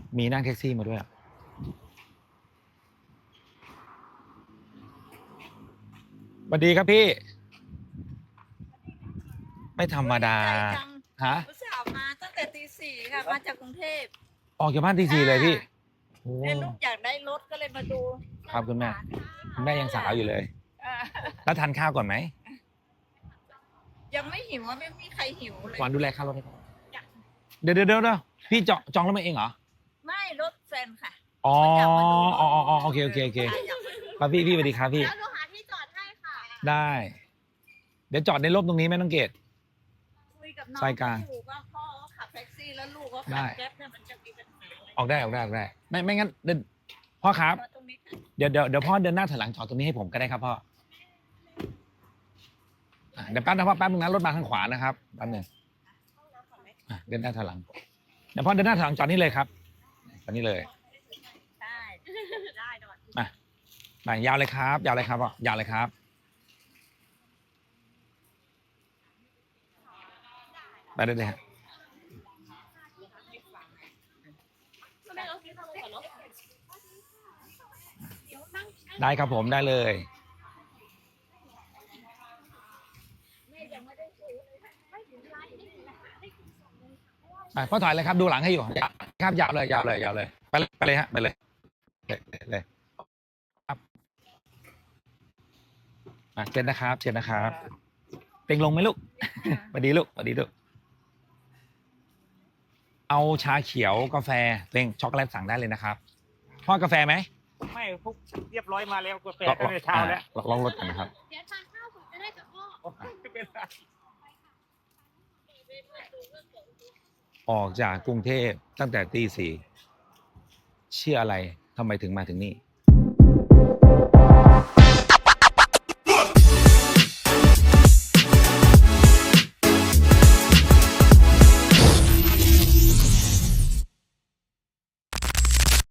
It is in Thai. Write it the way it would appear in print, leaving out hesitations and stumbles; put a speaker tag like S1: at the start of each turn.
S1: มีนั่งแท็กซี่มาด้วยสวัสดีครับพี่ ไม่ธรรมดาฮะ
S2: อุตส่าห์มาตั้งแต่ตีสี่ค่ะมาจากกรุงเทพ
S1: ออกจากบ้านตีสี่เลยพี่โอ้
S2: เนี่ยลูกอยากได้รถก็เลยมาดู
S1: ครับคุณแม่คุณแม่ยังสาวอยู่เลย
S2: อ่า
S1: แล้วทานข้าวก่อนไหม
S2: ยังไม่หิวว่าไม่มีใครหิวเลย
S1: หวานดูแลค่ารถให้ก่อนเดี๋ยวพี่จองรถมาเองเหรอ
S2: ไม่รถแฟนค่ะ
S1: อ๋อ
S2: อยากมาดูรถ
S1: อ๋อโอเค
S2: อยากมาดู
S1: ครับพี่สวัสดีครับพี่
S3: แล้วหนูหาที่จอดให้ค่ะ
S1: ได้ เดี๋ยวจอดในร่มตรงนี้ไหมน้องเกด
S2: คุยกับน้อง
S1: สายกลาง
S2: อยู่ว่าพ่อเขาขับแท็กซี่แล้วลูกเขา
S1: ได้
S2: ขับแก๊ปเนี่ยมันจะมีปัญหาอะไร
S1: ออกได้ไม่งั้นเดินพ่อครับ
S2: มาตรงนี้ค่ะ
S1: เดี๋ยวพ่อเดินหน้าถอยหลังจอดตรงนี้ให้ผมก็ได้ครับพ่อเดี๋ยวแป๊บนะพ่อแป๊บนึงนะรถมาข้างขวานะครับแป๊บนึงเดินหน้าถอยหลังเดี๋ยวพ่อเดินหน้าถอยหลังจอดนี่เลยครับจอดนี่เลย
S2: ใช่ได้ดอน
S1: มายาวเลยครับพ่อยาวเลยครับไปได้เลยฮะได้ครับผมได้เลยพ่อถอยเลยครับดูหลังให้อยู่ครับยาวเลยไปเลยฮะไปเลยครับเชิญนะครับเต็งลงไหมลูกสวัสดีลูกเอาชาเขียวกาแฟเต็งช็อกโกแลตสั่งได้เลยนะครับพ่อกาแฟไหม
S4: ไม่พวกเรียบร้อยมาแล้วกาแฟตั้งแต่เช้าแล้ว
S1: ลองรถกันนะครับ
S3: เดี๋ยวทานข้าวผมจะได้กับพ่อ
S4: ไม่เป็นไร
S1: ออกจากกรุงเทพตั้งแต่ตีสี่เชื่ออะไรทำไมถึงมาถึงนี่